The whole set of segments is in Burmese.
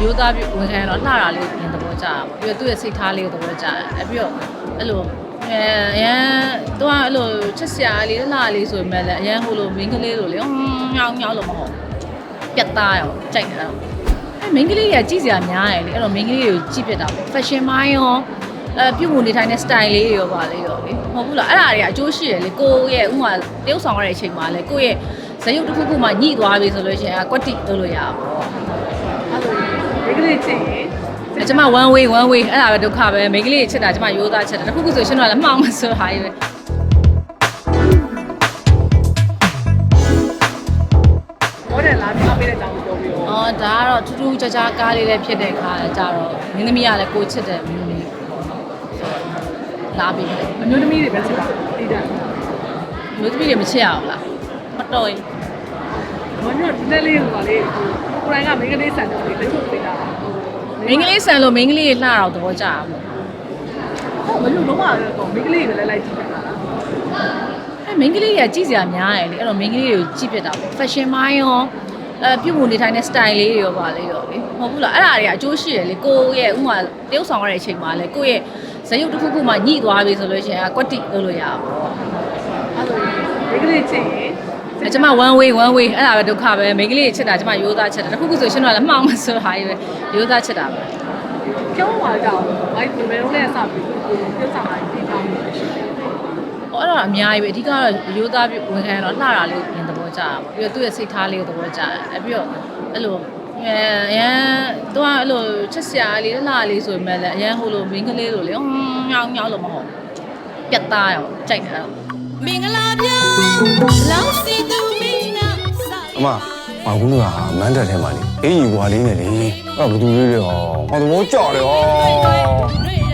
ရိုးသားပြီးဝန်ခံရတော့လှတာလေးပြင်သဘောကျတာပေါ့ပြီးတော့သူ့ရဲ့စိတ်ထားလေးကိုသဘောကျတယ်ပြီးတော့အဲ့လိုအရန်သူကအဲ့လိုချက်စရာလေးလှလေးဆိုပေမဲ့လည်းအရန်ဟိုလိုမင်းကလေးလိုလေညောင်းလို့မဟုတ်ပြတ်သားရောကြိုက်တာအဲ့မင်းကလေးကကြည့်စရာများတယ်လေအဲ့တော့မင်းကလေးကိုကြည့်ပြတာပေါ့ fashion မိုင်းရောပြုတ်မှုနေထိုင်တဲ့ style လေးတွေရောပါလေရောလေမဟုတ်ဘူးလားအဲ့ဒါတွေကအကျိုးရှိတယ်လေကိုရဲ့ဥမာတရုပ်ဆောင်ရတဲ့အချိန်မှာလေကိုရဲ့ဇယုတ်တစ်ခုခုမှညှိသွားပြီဆိုလို့ရှိရင်ကွက်တိလုပ်လို့ရပါပေါ့အဲ့လိုမိန်းကလေးချစ်ရင်ကျမ one way အဲ့ဒါပဲဒုက္ခပဲမိန်းကလေးချစ်တာကျမရိုးသားချစ်တာတစ်ခုခုဆိုရှင်တော့လည်းမှောင်မဆိုဟာကြီးပဲဘောတယ်လာပြီးပေးတဲ့ကြောင်ပြောပြီးတော့ဒါကတော့ထူးထူးခြားခြားကားလေးလည်းဖြစ်တဲ့ခါကြတော့မင်းသမီးကလည်းကိုချစ်တယ်မင်းသမီးလာပြီးအမျိုးသမီးတွေပဲချစ်တာတိတာမျိုးသမီးတွေမချစ်ရအောင်လားမတော်ရင်ဘာလို့ဒီနေ့လေးဟိုလေကိုရိုင်းကမိန်းကလေးဆန်တယ်လေတချို့သိတာမင်းကလေးဆန်လို့မင်းကလေးလှတော့သဘောကျတာပေါ့ဟုတ်မလို့လုံးဝတော့မိန်းကလေးတွေလည်းလိုက်ကြည့်တာလားအဲ့မင်းကလေးကကြည့်စရာများတယ်လေအဲ့တော့မင်းကလေးကိုကြည့်ပြတာပေါ့ fashion မိုင်းရောပြုတ်မှုနေထိုင်တဲ့ style လေးတွေရောပါလေရောလေမဟုတ်ဘူးလားအဲ့ဒါတွေကအကျိုးရှိတယ်လေကိုရဲ့ဥမာတရုပ်ဆောင်ရတဲ့အချိန်မှာလေကိုရဲ့ဇယုတ်တစ်ခုခုမှညှိသွားပြီဆိုလို့ရှိရင်ကွက်တိလုပ်လို့ရပါပေါ့အဲ့လိုမိန်းကလေးချစ်ရင်ကျမ one way အဲ့ဒါပဲဒုက္ခပဲမိန်းကလေးချစ်တာကျမရိုးသားချစ်တာတစ်ခုခုဆိုရှင်တော့လည်းမှောင်မဆိုဟာကြီးပဲရိုးသားချစ်တာပဲကျောင်းမှာကြောက်အဲ့ဒီဘယ်လိုလဲစပြီးပြုတ်ဆောင်လာပြီးတောင်းနေတယ်အဲ့တော့အများကြီးပဲအဓိကတော့ရိုးသားပြီးဝန်ခံရတော့လှတာလေးပြင်သဘောကျတာပေါ့ပြီးတော့သူ့ရဲ့စိတ်ထားလေးကိုသဘောကျတယ်ပြီးတော့အဲ့လိုအရန်သူကအဲ့လိုချက်စရာလေးလှလေးဆိုပေမဲ့လည်းအရန်ဟိုလိုမင်းကလေးလိုလေညောင်းလို့မဟုတ်ပြတ်သားရောကြိုက်တာမင်္ဂလာပြောလောင်းစီသူမင်းနာအမဘာကူကမန်းတက်ထဲမှာလေအေးကြီးကွာလေးနဲ့လေအဲ့ဘသူလေးတွေဟောသဘောကျတယ်ဟောကိုရိုင်းကလည်း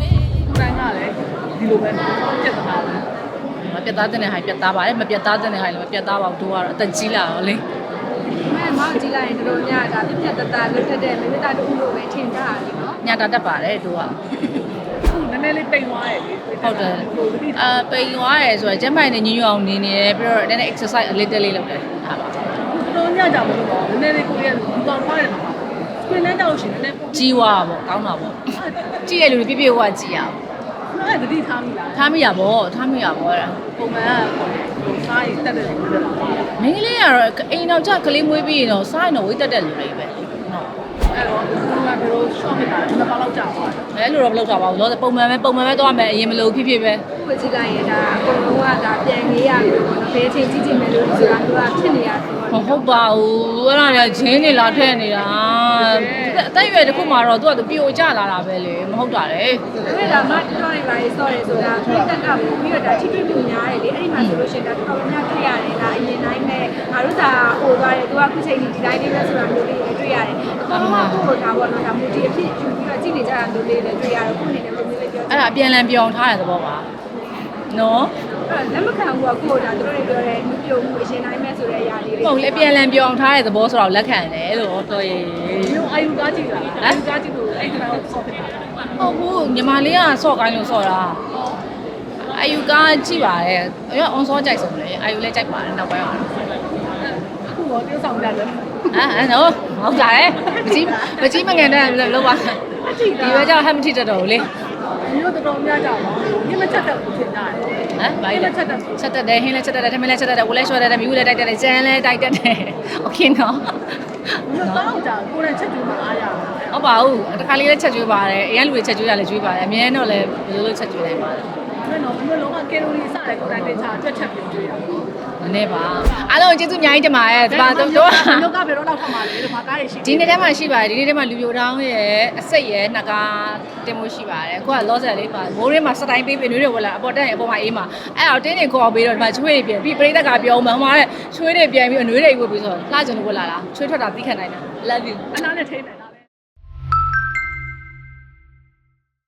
ဒီလိုပဲပြတ်သားတယ်မပြတ်သားတဲ့ဟိုင်ပြတ်သားပါတယ်မပြတ်သားတဲ့ဟိုင်လည်းမပြတ်သားပါဘူးတို့ကတော့အသက်ကြီးလာတော့လေမောင်ကြည့်လိုက်ရင်တို့ညဒါပြတ်သားလွတ်တတ်တဲ့မိမိသားတို့လိုပဲထင်ကြတာလीနော်ညတာတက်ပါတယ်တို့ကနည်းနည်းလေးပိန်သွားတယ်လေဟုတ်တယ်ပိန်သွားတယ်ဆိုတော့ကျန်းမာရေးနဲ့ညညအောင်နေနေတယ်ပြီးတော့နည်းနည်း exercise အလေးတက်လေးလုပ်တယ်ဟာပါတို့ညကြမလို့ပေါ့နည်းနည်းလေးကိုရီးယားဘူတောင်ထားတယ်နော်စပင်းနဲ့တောက်ရှင်နည်းနည်းကြီးွားပေါ့ကောင်းတာပေါ့ကြည့်ရလူတွေပြည့်ဝကြည့်ရအောင်အဲ့ဒါတတိထားမိလားထားမိရပေါ့အဲ့ဒါပုံမှန်ကစားရတက်တယ်လို့ပြောတာမင်းကလေးကတော့အိမ်တော့ကြကလေးမွေးပြီးရင်တော့စားရင်တော့ဝိတ်တက်တဲ့လူတွေပဲဟုတ်အဲ့တော့ဘယ်လို short ဖြစ်တာလဲနှစ်ပေါက်လောက်ကြာသွားတယ်အဲ့လိုတော့မလုပ်တော့ပါဘူးလို့ပုံမှန်ပဲသွားမယ်အရင်မလို့ဖြစ်ပဲဖွင့်ကြည့်လိုက်ရင်ဒါအကုန်လုံးကဒါပြန်ရေးရပြီပေါ့နော်ဘယ်ချိန်ကြည့်ကြည့်မယ်လို့ဆိုတာသူကဖြစ်နေရဆိုတော့ဟုတ်ပါဘူးအဲ့ဒါကဂျင်းနေလာထည့်နေတာအသက်ရွယ်တစ်ခုမှတော့သူကပြိုကျလာတာပဲလေမဟုတ်တာလေအဲ့ဒါမှတော်နေပါလေ sorry ဆိုတာဖိတ်တက်ကပြီးတော့ဒါထိထိပြများတယ်လေအဲ့ဒီမှာဆိုလို့ရှိရင်ဒါတော်တော်များထည့်ရတယ်ဒါအရင်တိုင်းပဲငါတို့သာဟိုသွားတယ်သူကခုချိန်ဒီတိုင်းလေးပဲဆိုတာမျိုးလေးတွေ့ရတယ်အကောင်ကကိုယ်ဒါပေါ့နော်ဒါမူတီအဖြစ်ယူပြီးတော့ကြည့်နေကြတာမျိုးလေးလည်းတွေ့ရတယ်ခုနေလည်းမျိုးလေးပြောအဲ့ဒါအပြန်လန်ပြောင်းထားတဲ့သဘောပါနော်လက်မခံဘူးကကိုယ်ဒါတို့တွေပြောတယ်မြုပ်မှုအရင်တိုင်းပဲဆိုတဲ့အရာလေးတွေဟုတ်လေအပြန်လန်ပြောင်းထားတဲ့သဘောဆိုတော့လက်ခံတယ်လို့တော်ရေမျိုးအာယူကားကြည့်တာအာယူကားကြည့်လို့အဲ့ဒီတော့ဆော့ဖြစ်တာဟုတ်ဘူးညီမလေးကဆော့ကိုင်းလို့ဆော့တာအာယူကားကြည့်ပါတယ်ရော on ဆော့ကြိုက်ဆုံးလေအာယူလည်းကြိုက်ပါတယ်နောက်ပိုင်းအောင်အခုတော့tiêuဆောင်ကြတယ်အဲ့နော်ဟုတ်ကြတယ်မကြီးမငန်တဲ့လောက်ပါဒီပဲကြောက်ဟမ်မထီတက်တော့ဘူးလေမျိုးတော်တော်များကြပါဘူးညမချက်တဲ့ကိုထင်ကြတယ်ဘာလဲချက်တက်တယ်ဟင်းလည်းချက်တက်တယ်ထမင်းလည်းချက်တက်တယ်ဝလည်းရှော့တက်တယ်မြူးလည်းတိုက်တက်တယ်ကျန်းလည်းတိုက်တက်တယ်โอเคနော်မျိုးတော့ကြာကိုယ်နဲ့ချက်ကြည့်မှအားရဟုတ်ပါဘူးတခါလေးလည်းချက်ကျွေးပါတယ်အရင်လူတွေချက်ကျွေးရလည်းကျွေးပါတယ်အမြဲတော့လည်းဘယ်လိုလုပ်ချက်ကျွေးနိုင်ပါလဲအဲ့တော့မျိုးလုံးကကယ်လိုရီစတယ်ကိုယ်တိုင်တင်ချာတွက်ချက်ပြီးကျွေးရမနေ့ပါအားလုံးကျေးဇူးအများကြီးတင်ပါတယ်ဒီပါတော့မျိုးကဘယ်တော့လောက်ထမှာလဲဒီမှာကားရရှိဒီနေ့တည်းမှာရှိပါတယ်ဒီနေ့တည်းမှာလူပြိုတောင်းရဲ့အစိတ်ရဲ့နှစ်ကားတင်မှုရှိပါတယ်အခုကလောဆယ်လေးမှာမိုးရင်းမှာစတိုင်းပေးပြီးနွေးတွေဝလာအပေါ်တက်ရင်အပေါ်မှာအေးမှာအဲ့တော့တင်းနေခေါ်ပေးတော့ဒီမှာချွေးတွေပြန်ပြီးပရိသတ်ကပြောမှဟိုမှာတဲ့ချွေးတွေပြန်ပြီးအနွေးတွေဝတ်ပြီးဆိုလှကျင်လို့ဝလာလားချွေးထွက်တာသိခံနိုင်တယ် love you အနားနဲ့ထိနေ